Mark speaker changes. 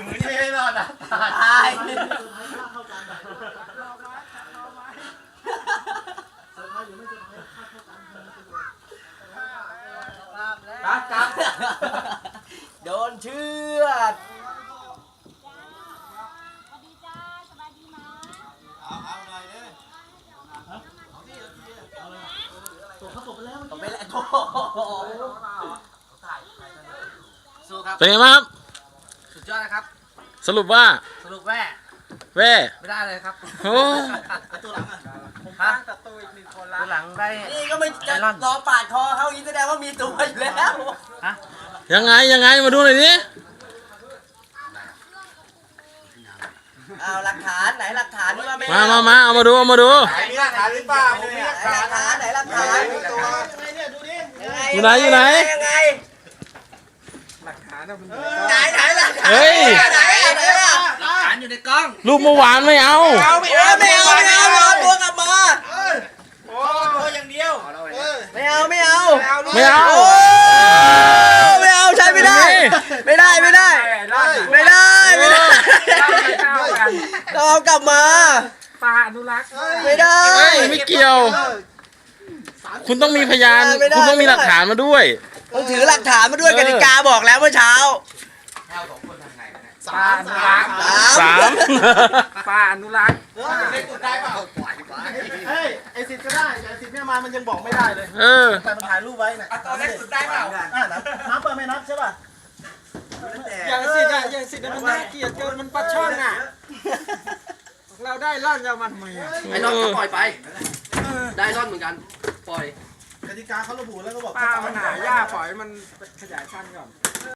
Speaker 1: อยู่ไม่ได้รอดนะตาย
Speaker 2: ครับโดนเชือดตกไปแล้วสู้ครับ
Speaker 3: เป็นไงบ้างครับ
Speaker 2: สุดยอดนะครับ
Speaker 3: สรุปว่า
Speaker 2: สรุปแว่
Speaker 3: แว่
Speaker 2: ไม่ได้เลยครับ
Speaker 3: โอ้
Speaker 2: ตัวหลังฮะตัวอีก1 คนละตัวหลังได้นี่ก็ไม่จะรอปาดคอเขาอีกแสดงว่ามีตัวอยู่แล้วฮะ
Speaker 3: ยังไงมาดูหน่อยดิ
Speaker 2: เอาหลักฐานไหนหลักฐานนี่ว่าไม่
Speaker 3: มาเอามาดู
Speaker 1: มีหลักฐานหรือเปล่าผมมีหลัก
Speaker 2: หลักฐานไหนหลักฐาน
Speaker 3: อยู่ไหน
Speaker 2: ยังไง
Speaker 1: หลักฐานนะมัน
Speaker 2: ไหนหลักฐาน
Speaker 3: เฮ้ย
Speaker 2: ไหนล่ะ
Speaker 1: หลักฐานอยู่ในกล้อง
Speaker 3: รูปเมื่อวานไม่เอา
Speaker 2: ไม่เอาตัวกลับมา
Speaker 1: โอ้อย่างเดียว
Speaker 2: ไม่เอา
Speaker 3: ไม่เอา
Speaker 2: ใช้ไม่ได้เราเอากลับมา
Speaker 1: ปลาอนุรักษ์
Speaker 2: ไม่ได้
Speaker 3: เฮ้ยไม่เกี่ยว คุณต้องมีพยาน คุณต้องมีหลักฐานมาด้วย
Speaker 2: ต้องถือหลักฐานมาด้วยกติกาบอกแล้วเมื่อเช้า
Speaker 1: ปลาอนุรักษ์
Speaker 3: 3
Speaker 1: ปลาอนุรักษ์
Speaker 2: เล่นได้เปล่า
Speaker 4: เฮ้ยไอสิทธิ์ก็ได้ไอสิทธิ์เนี่ยมามันยังบอกไม่ได้เลย
Speaker 2: แต่มันถ่ายรูปไว้น่ะตอนแรกสุดได้เปล่า
Speaker 4: น้ำเปิดไม่นับใช่ป่ะ
Speaker 5: อย่างสิมันน่าเกลียดเกินมันปลาช่อนอ่ะ เราได้ล่อนยามันไหมอ่ะ
Speaker 2: ไอ้รอนก็ปล่อยไป ได้รอนเหมือนกัน ปล่อย
Speaker 4: กติกาเขาระบุแล้วก็บอก
Speaker 5: ปลามันหายากปล่อยมันขยายพันธุ์ก่อน